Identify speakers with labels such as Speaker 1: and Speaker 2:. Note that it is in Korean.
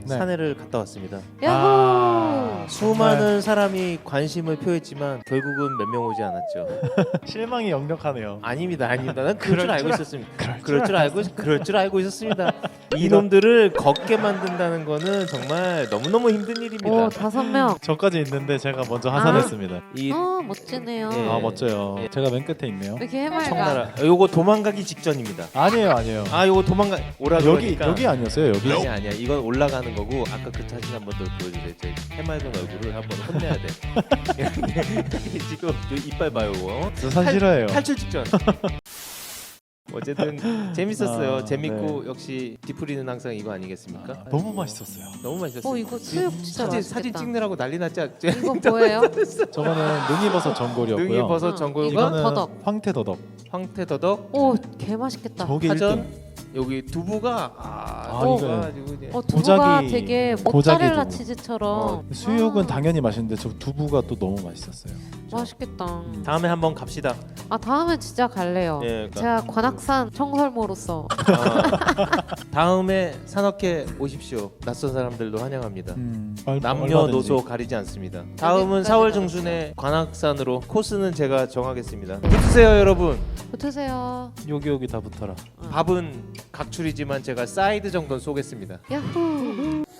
Speaker 1: 네.
Speaker 2: 산에를 갔다 왔습니다.
Speaker 3: 야호!
Speaker 2: 수많은 사람이 관심을 표했지만 결국은 몇 명 오지 않았죠.
Speaker 1: 실망이 역력하네요.
Speaker 2: 아닙니다, 아닙니다. 난 그럴 줄 알고 있었습니다. 그럴 줄 알고 있었습니다. 이놈들을 걷게 만든다는 거는 정말 너무너무 힘든 일입니다.
Speaker 3: 오, 5명.
Speaker 1: 저까지 있는데 제가 먼저 하산했습니다.
Speaker 2: 이
Speaker 3: 멋지네요.
Speaker 2: 예.
Speaker 1: 아 멋져요. 제가 맨 끝에 있네요.
Speaker 3: 왜 이렇게 해맑아?
Speaker 2: 청나라. 요거 도망가기 직전입니다.
Speaker 1: 아니에요.
Speaker 2: 아, 요거 도망가 오라 그러니까.
Speaker 1: 여기 아니었어요 여기.
Speaker 2: 아니야. 이건 올라가는 거고 아까 그 사진 한번 더 보여주세요. 제 해맑은 얼굴을 한번 혼내야 돼. 지금 요 이빨 봐요. 이거.
Speaker 1: 저 산 싫어해요.
Speaker 2: 탈출 직전. 어쨌든 재밌었어요.
Speaker 1: 아,
Speaker 2: 재밌고
Speaker 1: 네.
Speaker 2: 역시 디프리는 항상 이거 아니겠습니까?
Speaker 1: 너무 맛있었어요.
Speaker 2: 너무 맛있었어요.
Speaker 3: 이거 수육 진짜 맛있겠다.
Speaker 2: 사진 찍느라고 난리 났지 않죠?
Speaker 3: 이거 뭐예요?
Speaker 1: 저거는 능이버섯 전골이었고요.
Speaker 2: 능이버섯 전골과
Speaker 3: 이건
Speaker 1: 이거는
Speaker 3: 더덕.
Speaker 1: 황태더덕.
Speaker 2: 황태더덕,
Speaker 3: 오, 개 맛있겠다.
Speaker 1: 저게
Speaker 2: 파전,
Speaker 1: 1등.
Speaker 2: 여기 두부가
Speaker 1: 이거
Speaker 2: 가지고 이제
Speaker 3: 두부가
Speaker 1: 고작이-
Speaker 3: 되게
Speaker 1: 고작이
Speaker 3: 모짜렐라
Speaker 1: 두부.
Speaker 3: 치즈처럼.
Speaker 1: 수육은
Speaker 3: 아,
Speaker 1: 당연히 맛있는데 저 두부가 또 너무 맛있었어요.
Speaker 3: 맛있겠다.
Speaker 2: 다음에 한번 갑시다.
Speaker 3: 아, 다음에 진짜 갈래요.
Speaker 2: 예, 그러니까.
Speaker 3: 제가 관악산 청설모로서
Speaker 2: 다음에 산업회 오십시오. 낯선 사람들도 환영합니다. 남녀노소 가리지 않습니다. 다음은
Speaker 3: 여기까지
Speaker 2: 4월
Speaker 3: 가자.
Speaker 2: 중순에 관악산으로 코스는 제가 정하겠습니다. 붙으세요, 여러분.
Speaker 3: 붙으세요.
Speaker 1: 여기 다 붙어라.
Speaker 2: 밥은 각출이지만 제가 사이드 정도는 쏘겠습니다.
Speaker 3: 야호.